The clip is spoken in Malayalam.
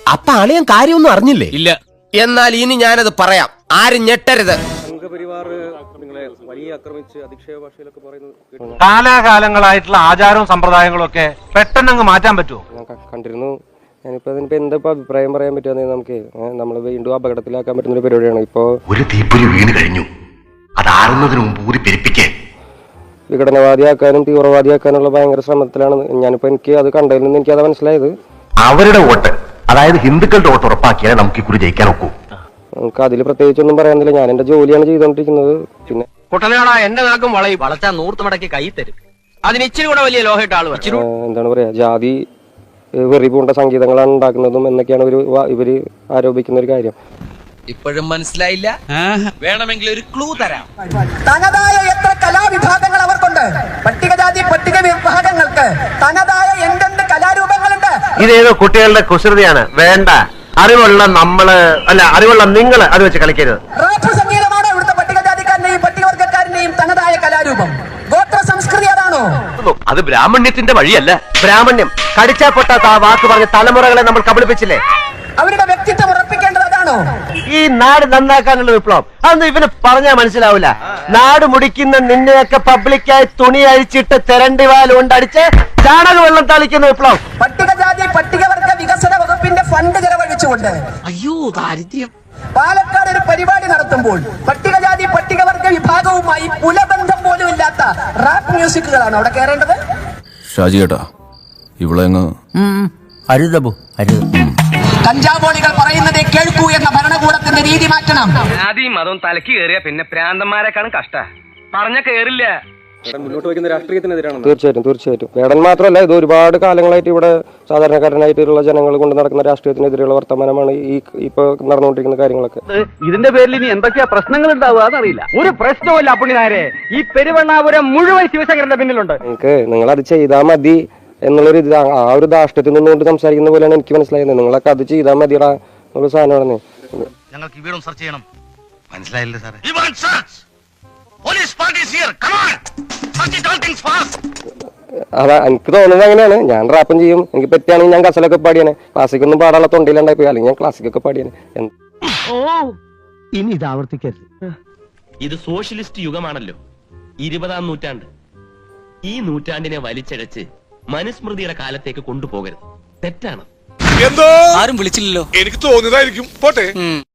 അപ്പൊ അളിയൻ കാര്യമൊന്നും അറിഞ്ഞില്ലേ? ഇല്ല. എന്നാൽ ഇനി ഞാനത് പറയാം, ആരും ഞെട്ടരുത്. കാലാകാലങ്ങളായിട്ടുള്ള ആചാരവും സമ്പ്രദായങ്ങളും ഒക്കെ പെട്ടെന്ന് മാറ്റാൻ പറ്റുമോ? കണ്ടിരുന്നു. ഞാനിപ്പോ അതിനിപ്പോ എന്താ അഭിപ്രായം പറയാൻ പറ്റുക? നമുക്ക് നമ്മൾ വീണ്ടും അപകടത്തിലാക്കാൻ പറ്റുന്ന ഒരു പരിപാടിയാണ് ഇപ്പോ. ഒരു തീപ്പൊരി വീണ് കഴിഞ്ഞു, അതാറുന്നതിന് മുമ്പ് ഊരി പെരുപ്പിക്കേ. വിഘടനവാദിയാക്കാനും തീവ്രവാദിയാക്കാനുള്ള ഭയങ്കര ശ്രമത്തിലാണ് ഞാനിപ്പോ. എനിക്ക് അത് കണ്ടതിൽ നിന്ന് എനിക്ക് അത് മനസ്സിലായത്. അവരുടെ വോട്ട്, അതായത് ഹിന്ദുക്കളുടെ വോട്ട് ഉറപ്പാക്കിയാലേ നമുക്ക് ഇക്കുറി ജയിക്കാൻ ഒക്കൂ. നമുക്ക് അതിൽ പ്രത്യേകിച്ചൊന്നും പറയാനില്ല. ഞാൻ എന്റെ ജോലിയാണ് ചെയ്തോണ്ടിരിക്കുന്നത്. പിന്നെ കുട്ടനാടാ എന്റെ നാക്കും വളയും വളച്ചാ നൂർത്ത് മടക്കി കൈ തരും. അതിന് ഇച്ചിരി കൂടെ വലിയ ലോഹയിട്ട് ആള് എന്താണ് പറയാ, ജാതി വെറി പൂണ്ട സംഗീതങ്ങളാണ് ഉണ്ടാക്കുന്നതും എന്നൊക്കെയാണ് ഇവര് ആരോപിക്കുന്ന ഒരു കാര്യം. ഇപ്പോഴും മനസ്സിലായില്ല? വേണമെങ്കിൽ ഒരു ക്ലൂ തരാം. തനതായ എത്ര കലാവിഭാഗങ്ങൾ അവർക്കുണ്ട്. പട്ടികജാതി പട്ടിക വിഭാഗങ്ങൾക്ക് തനതായ എന്തെന്ത് കലാരൂപങ്ങളുണ്ട്. ഇതേതോ കുട്ടികളുടെ കുസൃതിയാണ്. വേണ്ട, അറിവുള്ള അറിവുള്ള നിങ്ങൾ അത് വെച്ച് കളിക്കരുത്. റാപ്പ് സംഗീതമാണോ ഇവിടുത്തെ പട്ടികജാതിക്കാരന്റെയും പട്ടികവർഗക്കാരന്റെയും തനതായ കലാരൂപം? ഗോത്ര സംസ്കൃതി അതാണോ? അത് ബ്രാഹ്മണ്യത്തിന്റെ വഴിയല്ല. ബ്രാഹ്മണ്യം കടിച്ചാ പൊട്ടാത്ത ആ വാക്ക് പറഞ്ഞ തലമുറകളെ നമ്മൾ കബളിപ്പിച്ചില്ലേ? അവരുടെ വ്യക്തിത്വം ഉറപ്പിക്കേണ്ടത് അതാണോ? ഈ നാട് നന്നാക്കാനുള്ള വിപ്ലവം അതൊന്നും ഇവന് പറഞ്ഞാൽ മനസ്സിലാവില്ല. നാട് മുടിക്കുന്ന നിന്നെയൊക്കെ പബ്ലിക്കായി തുണി അഴിച്ചിട്ട് തെരണ്ടി വാൽ കൊണ്ടടിച്ച് ചാണക വെള്ളം തളിക്കുന്ന വിപ്ലവം. പട്ടികജാതി പട്ടികവർഗ വികസന വകുപ്പിന്റെ ഫണ്ട് ചെലവഴിച്ചുകൊണ്ട് അയ്യോ ദാരിദ്ര്യം. പാലക്കാട് ഒരു പരിപാടി നടത്തുമ്പോൾ പട്ടികജാതി പട്ടികവർഗ വിഭാഗവുമായി കുലബന്ധം പോലും ഇല്ലാത്ത റാപ്പ് മ്യൂസിക്കുകളാണ് അവിടെ കയറേണ്ടത്. ഷാജി ഏട്ടാ, ഇവിടെ അരുതബു അരുത്. കഞ്ചാവോളികൾ പറയുന്നതേ കേൾക്കൂ എന്ന ഭരണകൂടത്തിന്റെ രീതി മാറ്റണം. ആദ്യം അതും തലക്ക് കയറിയ പിന്നെ പ്രാന്തന്മാരെക്കാളും കഷ്ട പറഞ്ഞ കേറില്ല. മുന്നോട്ട് വയ്ക്കുന്ന രാഷ്ട്രീയത്തിനെതിരാണ്. തീർച്ചയായിട്ടും വേടൻ മാത്രമല്ല, ഇത് ഒരുപാട് കാലങ്ങളായിട്ട് ഇവിടെ സാധാരണക്കാരനായിട്ടുള്ള ജനങ്ങൾ കൊണ്ട് നടക്കുന്ന രാഷ്ട്രീയത്തിനെതിരെയുള്ള വർത്തമാനമാണ് ഈ ഇപ്പൊ നടന്നുകൊണ്ടിരിക്കുന്ന കാര്യങ്ങളൊക്കെ. ഇതിന്റെ പേരിൽ ഇനി എന്തൊക്കെയാ പ്രശ്നങ്ങൾ ഉണ്ടാവുക എന്നറിയില്ല. ഒരു പ്രശ്നവുമില്ല പുള്ളിനാരെ. ഈ പെരുവണ്ണാപുരം മുഴുവൻ ശിവശങ്കരന്റെ പിന്നിലുണ്ട്. നിങ്ങൾ അത് ചെയ്താൽ മതി എന്നുള്ളൊരു ഇത്, ആ ഒരു ധാർഷ്ട്യത്തിൽ നിന്നുകൊണ്ട് സംസാരിക്കുന്ന പോലെയാണ് എനിക്ക് മനസ്സിലായത്. നിങ്ങളൊക്കെ അത് ചെയ്താൽ മതിയടാ എന്നുള്ള സാധനമാണ്. ഞങ്ങൾക്ക് ഈ വീടും സെർച്ച് ചെയ്യണം. മനസ്സിലായില്ലേ സാറേ? അതാ എനിക്ക് തോന്നുന്നത് അങ്ങനെയാണ്. ഞാൻ റാപ്പും ചെയ്യും. എനിക്ക് പറ്റുകയാണെങ്കിൽ ഞാൻ കസലൊക്കെ പാടിയാണ്. ക്ലാസിക്കൊന്നും പാടാനുള്ള തൊണ്ടിയിലുണ്ടായി പോയി, അല്ലെങ്കിൽ ഞാൻ ക്ലാസിക്കൊക്കെ പാടിയാണ്. ഇനി ഇത് ആവർത്തിക്കരുത്. ഇത് സോഷ്യലിസ്റ്റ് യുഗമാണല്ലോ, 20-ാം നൂറ്റാണ്ട്. ഈ നൂറ്റാണ്ടിനെ വലിച്ചഴച്ച് മനുസ്മൃതിയുടെ കാലത്തേക്ക് കൊണ്ടുപോകരുത്. തെറ്റാണ്. ആരും വിളിച്ചില്ലല്ലോ. എനിക്ക് തോന്നിയതായിരിക്കും. പോട്ടെ.